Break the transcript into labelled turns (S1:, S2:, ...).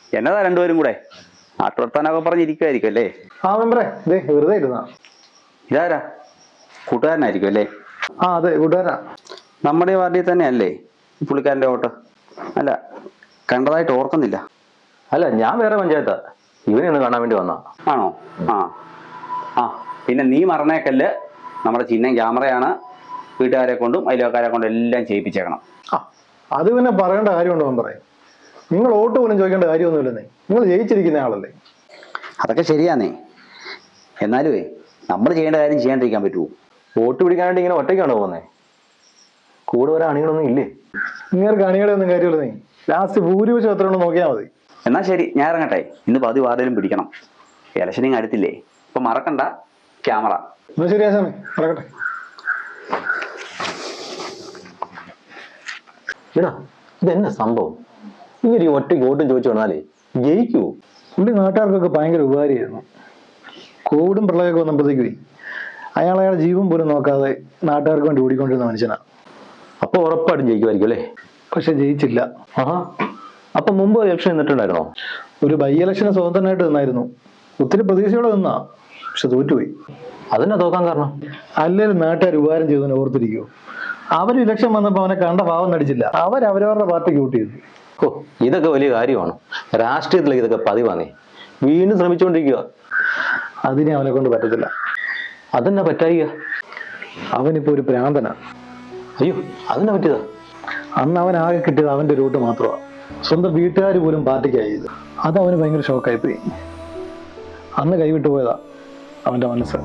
S1: എന്നതാ രണ്ടുപേരും കൂടെ നാട്ടുവർത്താനൊക്കെ പറഞ്ഞിരിക്കുമായിരിക്കും അല്ലേ?
S2: ആ മെമ്പറേ, ഇതേ വെറുതെ ഇരുന്നാ.
S1: ഇതാരാ? കൂട്ടുകാരനായിരിക്കും അല്ലേ?
S2: ആ അതെ, കൂട്ടുകാരാ.
S1: നമ്മുടെ ഈ വാർഡിൽ തന്നെ അല്ലേ ഈ പുള്ളിക്കാരൻ്റെ വോട്ട്? അല്ല, കണ്ടതായിട്ട് ഓർക്കുന്നില്ല.
S3: അല്ല, ഞാൻ വേറെ പഞ്ചായത്താ. ഇവനെ ഒന്ന് കാണാൻ വേണ്ടി വന്നാ.
S1: ആണോ? ആ ആ പിന്നെ നീ മറന്നേക്കല്ല്, നമ്മുടെ ചിഹ്നം ക്യാമറയാണ്. വീട്ടുകാരെ കൊണ്ടും അയൽവക്കാരെ കൊണ്ടും എല്ലാം ചെയ്യിപ്പിച്ചേക്കണം.
S2: ആ അത് പിന്നെ പറയേണ്ട കാര്യമുണ്ടോ മെമ്പറേ? നിങ്ങൾ വോട്ട് പോലും ചോദിക്കേണ്ട കാര്യമൊന്നുമില്ലെന്നേ. നിങ്ങൾ ജയിച്ചിരിക്കുന്ന ആളല്ലേ.
S1: അതൊക്കെ ശരിയാന്നേ. എന്നാലുവേ നമ്മൾ ചെയ്യേണ്ട കാര്യം ചെയ്യാണ്ടിരിക്കാൻ പറ്റുമോ?
S3: വോട്ട് പിടിക്കാനായിട്ട് ഇങ്ങനെ ഒറ്റയ്ക്കാണോ പോകുന്നേ? കൂടെ വരെ അണികളൊന്നും ഇല്ലേ?
S2: നിങ്ങൾക്ക് അണികളെ ഒന്നും കാര്യമില്ലെന്നേ. ലാസ്റ്റ് ഭൂരിപക്ഷം എത്രയാണെന്ന് നോക്കിയാൽ മതി.
S1: എന്നാ ശരി, ഞാൻ ഇറങ്ങട്ടെ. ഇന്ന് പതി വാർഡിലും പിടിക്കണം. ഇലക്ഷനിങ് അടുത്തില്ലേ? ഇപ്പൊ മറക്കണ്ട, ക്യാമറ.
S2: എന്നാ ശരി ആശാമേ, നടക്കട്ടെ.
S3: എടാ, ഇതെന്നെ സംഭവം? ഇങ്ങനെ ഈ ഒറ്റയ്ക്ക് വോട്ടും ചോദിച്ചു വന്നാലേ ജയിക്കുവോ?
S2: പുള്ളി നാട്ടുകാർക്കൊക്കെ ഭയങ്കര ഉപകാരമായിരുന്നു. കോവിഡും പ്രളയമൊക്കെ വന്നപ്പോഴത്തേക്ക് അയാളുടെ ജീവൻ പോലും നോക്കാതെ നാട്ടുകാർക്ക് വേണ്ടി ഓടിക്കൊണ്ടിരുന്ന മനുഷ്യനാണ്.
S3: അപ്പൊ ഉറപ്പായിട്ടും ജയിക്കുമായിരിക്കും അല്ലേ?
S2: പക്ഷെ ജയിച്ചില്ല.
S3: ആഹാ, അപ്പൊ മുമ്പ് ഇലക്ഷൻ നിന്നിട്ടുണ്ടായിരുന്നോ?
S2: ഒരു ബൈ ഇലക്ഷന് സ്വതന്ത്രനായിട്ട് നിന്നായിരുന്നു. ഒത്തിരി പ്രതീക്ഷയോടെ നിന്നാ, പക്ഷെ തോറ്റുപോയി.
S3: അതെന്നാ തോക്കാൻ കാരണം?
S2: അല്ലേലും നാട്ടുകാർ ഉപകാരം ചെയ്തതിനെ ഓർത്തിരിക്കുവോ? അവർ ഇലക്ഷൻ വന്നപ്പോൾ അവനെ കണ്ട ഭാവം നടിച്ചില്ല. അവരവരുടെ പാർട്ടിക്ക് വോട്ട് ചെയ്തു.
S3: ഓ, ഇതൊക്കെ വലിയ കാര്യമാണ്. രാഷ്ട്രീയത്തിലേക്ക് ഇതൊക്കെ പതിവാന്നേ. വീണ്ടും ശ്രമിച്ചുകൊണ്ടിരിക്കുക.
S2: അതിനെ അവനെ കൊണ്ട് പറ്റത്തില്ല.
S3: അതെന്നാ പറ്റായിക?
S2: അവനിപ്പോ ഒരു പ്രാന്തനാ.
S3: അയ്യോ, അതെന്നാ പറ്റിയതാ?
S2: അന്ന് അവൻ ആകെ കിട്ടിയത് അവന്റെ റൂട്ട് മാത്രമാണ്. സ്വന്തം വീട്ടുകാർ പോലും പാർട്ടിക്കായത്. അത് അവന് ഭയങ്കര ഷോക്കായിപ്പോയി. അന്ന് കൈവിട്ടു പോയതാ അവന്റെ മനസ്സ്.